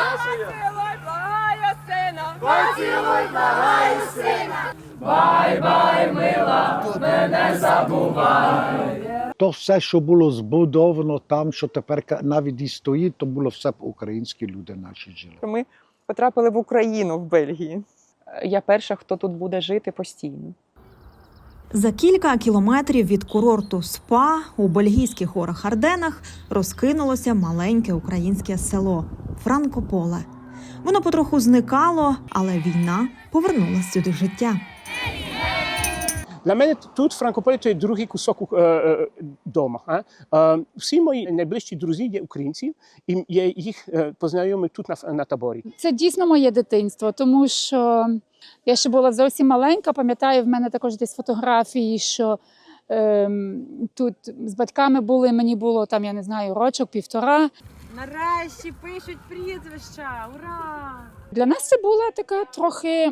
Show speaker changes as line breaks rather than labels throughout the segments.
Поцілуй, благаю, сина. Бай-бай, мила, мене забувай.
То все, що було збудовано там, що тепер навіть і стоїть, то було все б українські люди наші жили.
Ми потрапили в Україну, в Бельгії. Я перша, хто тут буде жити постійно.
За кілька кілометрів від курорту СПА у бельгійських горах Арденах розкинулося маленьке українське село Франкополе. Воно потроху зникало, але війна повернула сюди життя.
Для мене тут Франкополі – це другий кусок дома. Всі мої найближчі друзі є українці, і я їх познайомив тут на таборі.
Це дійсно моє дитинство, тому що я ще була зовсім маленька, пам'ятаю, в мене також десь фотографії, що тут з батьками були, мені було там, я не знаю, рочок, півтора.
Нарешті пишуть прізвища, ура!
Для нас це була така трохи,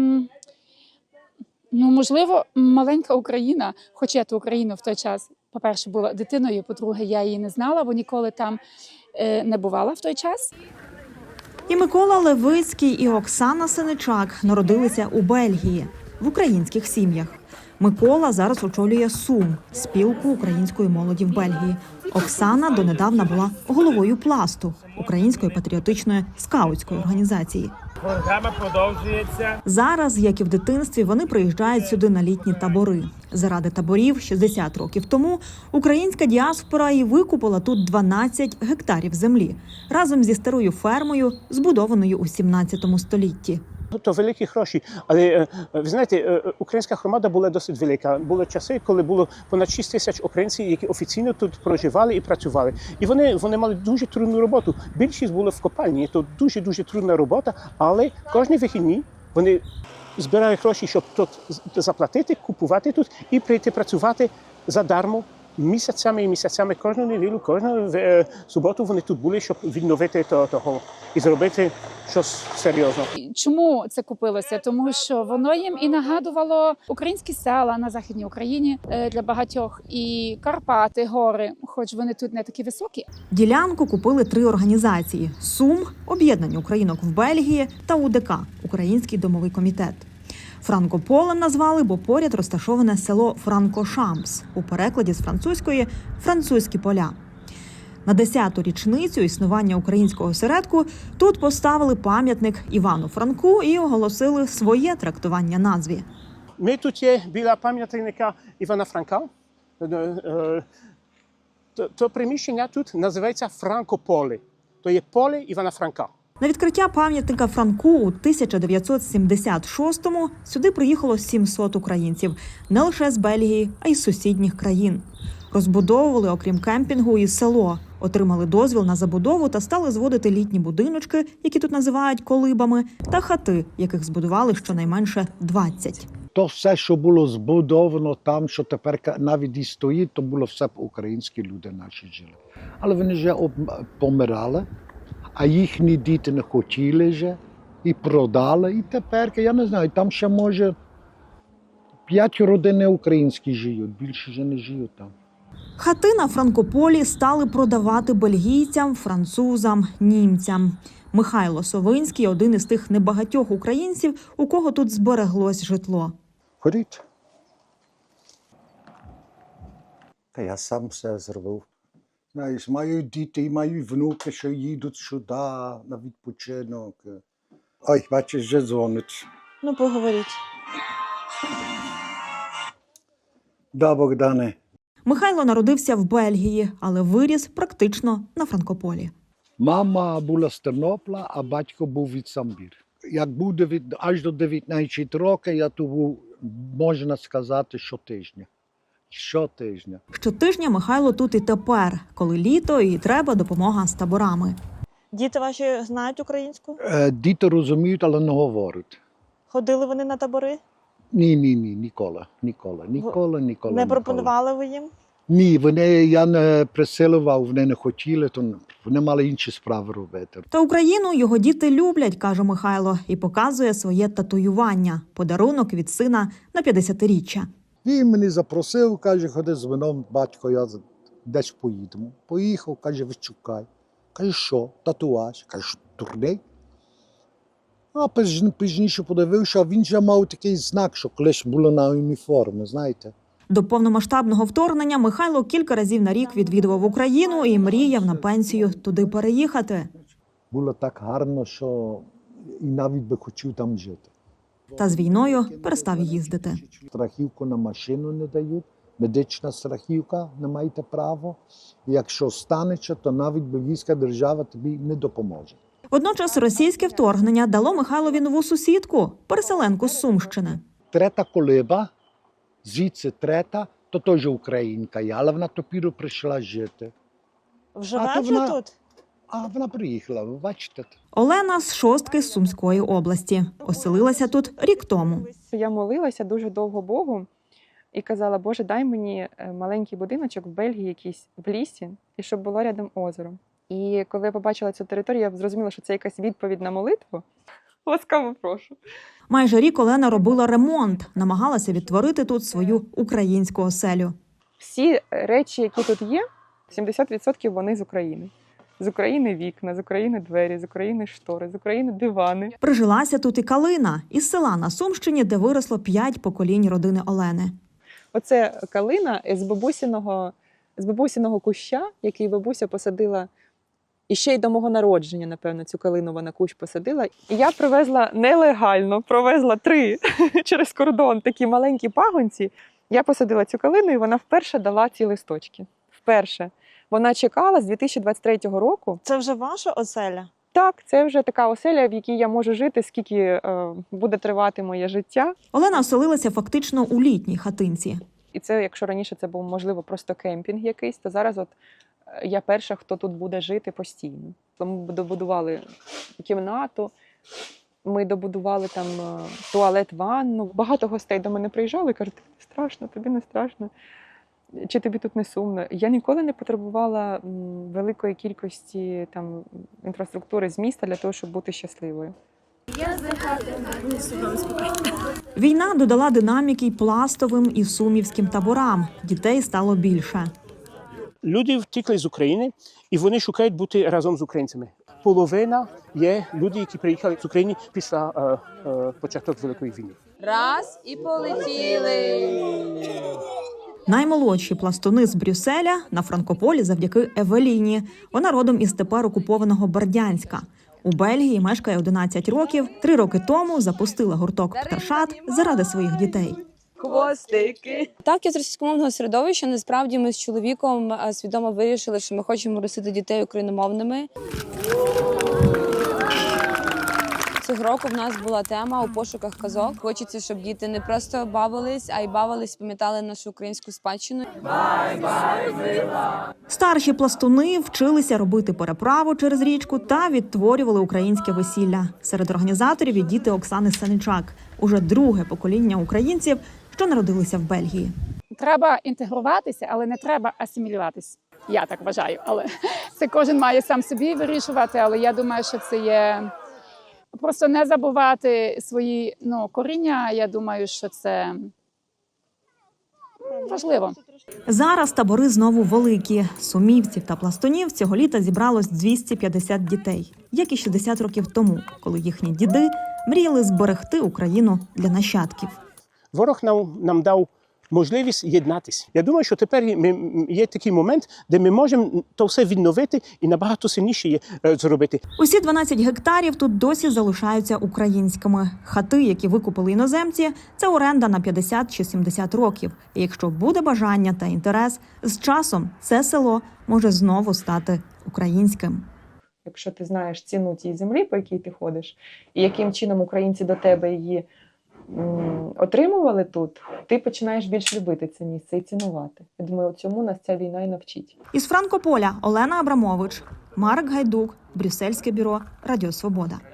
можливо, маленька Україна, хоча я ту Україну в той час, по-перше, була дитиною, по-друге, я її не знала, бо ніколи там не бувала в той час.
І Микола Левицький, і Оксана Сеничак народилися у Бельгії, в українських сім'ях. Микола зараз очолює СУМ – спілку української молоді в Бельгії. Оксана донедавна була головою «Пласту» – української патріотичної скаутської організації.
Програма продовжується.
Зараз, як і в дитинстві, вони приїжджають сюди на літні табори. Заради таборів 60 років тому українська діаспора і викупила тут 12 гектарів землі разом зі старою фермою, збудованою у 17 столітті.
То великі гроші, але ви знаєте, українська громада була досить велика. Були часи, коли було понад 6 тисяч українців, які офіційно тут проживали і працювали. І вони мали дуже трудну роботу. Більшість були в копальні, то дуже трудна робота, але кожні вихідні вони збирають гроші, щоб тут заплатити, купувати тут і прийти працювати задармо. Місяцями і місяцями, кожну неділю, кожну суботу вони тут були, щоб відновити того і зробити щось серйозне.
Чому це купилося? Тому що воно їм і нагадувало українські села на Західній Україні для багатьох, і Карпати, гори, хоч вони тут не такі високі.
Ділянку купили 3 організації – СУМ – об'єднання українок в Бельгії та УДК – Український домовий комітет. Франкополем назвали, бо поряд розташоване село Франкошамс, у перекладі з французької «французькі поля». На 10-ту річницю існування українського осередку тут поставили пам'ятник Івану Франку і оголосили своє трактування назві.
Ми тут є біля пам'ятника Івана Франка. То приміщення тут називається Франкополе. То є поле Івана Франка.
На відкриття пам'ятника Франку у 1976-му сюди приїхало 700 українців. Не лише з Бельгії, а й з сусідніх країн. Розбудовували, окрім кемпінгу, і село. Отримали дозвіл на забудову та стали зводити літні будиночки, які тут називають колибами, та хати, яких збудували щонайменше 20.
То все, що було збудовано там, що тепер навіть і стоїть, то було все б українські люди наші жили. Але вони вже помирали. А їхні діти не хотіли вже і продали. І тепер, я не знаю, там ще може 5 родин українські живуть, більше вже не живуть там.
Хати на Франкополі стали продавати бельгійцям, французам, німцям. Михайло Совинський – один із тих небагатьох українців, у кого тут збереглось житло.
Ходіть. Та я сам все зробив. Знаєш, маю діти, маю внуки, що їдуть сюди на відпочинок. Ой, бачиш, вже дзвонить.
Ну, поговоріть.
Да, Богдане.
Михайло народився в Бельгії, але виріс практично на Франкополі.
Мама була з Тернополя, а батько був від Самбір. Як був аж до 19 років, я тут був, можна сказати, щотижня. Щотижня.
Щотижня Михайло тут і тепер, коли літо і треба допомога з таборами.
Діти ваші знають українську?
Діти розуміють, але не говорять.
Ходили вони на табори?
Ні, ніколи.
Не пропонували ви їм?
Ні, я не присилував, вони не хотіли, то вони мали інші справи робити.
Та Україну його діти люблять, каже Михайло, і показує своє татуювання – подарунок від сина на 50-річчя.
Він мене запросив, каже, ходи з вином, батько, я десь поїдемо. Поїхав, каже, вичукай. Кажу, що? Татуаж. Кажу, дурний. А пізніше подивився, а він вже мав такий знак, що колись було на уніформі, знаєте.
До повномасштабного вторгнення Михайло кілька разів на рік відвідував Україну і мріяв на пенсію туди переїхати.
Було так гарно, що і навіть би хотів там жити.
Та з війною перестав їздити.
Страхівку на машину не дають, медична страхівка, не маєте права. Якщо станеться, то навіть бельгійська держава тобі не допоможе.
Водночас російське вторгнення дало Михайлові нову сусідку – переселенку з Сумщини.
Трета колиба, звідси трета, то теж українка, але вона тепер прийшла жити.
Живе
то
вже
вона-
тут?
А вона приїхала, ви бачите.
Олена з шостки з Сумської області. Оселилася тут рік тому.
Я молилася дуже довго Богу і казала, Боже, дай мені маленький будиночок в Бельгії якийсь в лісі, і щоб було рядом озеро. І коли я побачила цю територію, я зрозуміла, що це якась відповідь на молитву. Ласкаво прошу.
Майже рік Олена робила ремонт, намагалася відтворити тут свою українську оселю.
Всі речі, які тут є, 70% вони з України. З України вікна, з України двері, з України штори, з України дивани.
Прижилася тут і Калина, із села на Сумщині, де виросло 5 поколінь родини Олени.
Оце калина з бабусиного куща, який бабуся посадила і ще й до мого народження, напевно, цю калину вона кущ посадила. І я привезла нелегально, провезла 3 через кордон такі маленькі пагонці. Я посадила цю калину, і вона вперше дала ці листочки. Вперше. Вона чекала з 2023 року.
Це вже ваша оселя?
Так, це вже така оселя, в якій я можу жити, скільки буде тривати моє життя.
Олена оселилася фактично у літній хатинці.
І це, якщо раніше це був, можливо, просто кемпінг якийсь, то зараз от я перша, хто тут буде жити постійно. Ми добудували кімнату, ми добудували там туалет, ванну. Багато гостей до мене приїжджали і кажуть, тобі не страшно, тобі не страшно. Чи тобі тут не сумно? Я ніколи не потребувала великої кількості там інфраструктури з міста для того, щоб бути щасливою.
Війна додала динаміки й пластовим, і сумівським таборам. Дітей стало більше.
Люди втікли з України, і вони шукають бути разом з українцями. Половина є люди, які приїхали з України після початку Великої війни.
Раз і полетіли.
Наймолодші пластуни з Брюсселя на Франкополі завдяки Евеліні. Вона родом із тепер окупованого Бердянська. У Бельгії мешкає 11 років. 3 роки тому запустила гурток «Пташат» заради своїх дітей.
Хвостики.
Так, я з російськомовного середовища. Насправді ми з чоловіком свідомо вирішили, що ми хочемо ростити дітей україномовними. Цього року в нас була тема у пошуках казок. Хочеться, щоб діти не просто бавились, а й бавились, пам'ятали нашу українську спадщину.
Старші пластуни вчилися робити переправу через річку та відтворювали українське весілля. Серед організаторів є діти Оксани Саничак. Уже друге покоління українців, що народилися в Бельгії.
Треба інтегруватися, але не треба асимілюватися. Я так вважаю, але це кожен має сам собі вирішувати, але я думаю, що це є просто не забувати свої коріння. Я думаю, що це важливо.
Зараз табори знову великі. Сумівців та пластунів цього літа зібралось 250 дітей, як і 60 років тому, коли їхні діди мріяли зберегти Україну для нащадків.
Ворог нам дав можливість єднатися. Я думаю, що тепер є такий момент, де ми можемо то все відновити і набагато сильніше зробити.
Усі 12 гектарів тут досі залишаються українськими. Хати, які викупили іноземці, це оренда на 50 чи 70 років. І якщо буде бажання та інтерес, з часом це село може знову стати українським.
Якщо ти знаєш ціну тієї землі, по якій ти ходиш, і яким чином українці до тебе її отримували тут, ти починаєш більш любити це місце і цінувати. Я думаю, цьому нас ця війна і навчить.
Із Франкополя Олена Абрамович, Марк Гайдук, Брюссельське бюро, Радіо Свобода.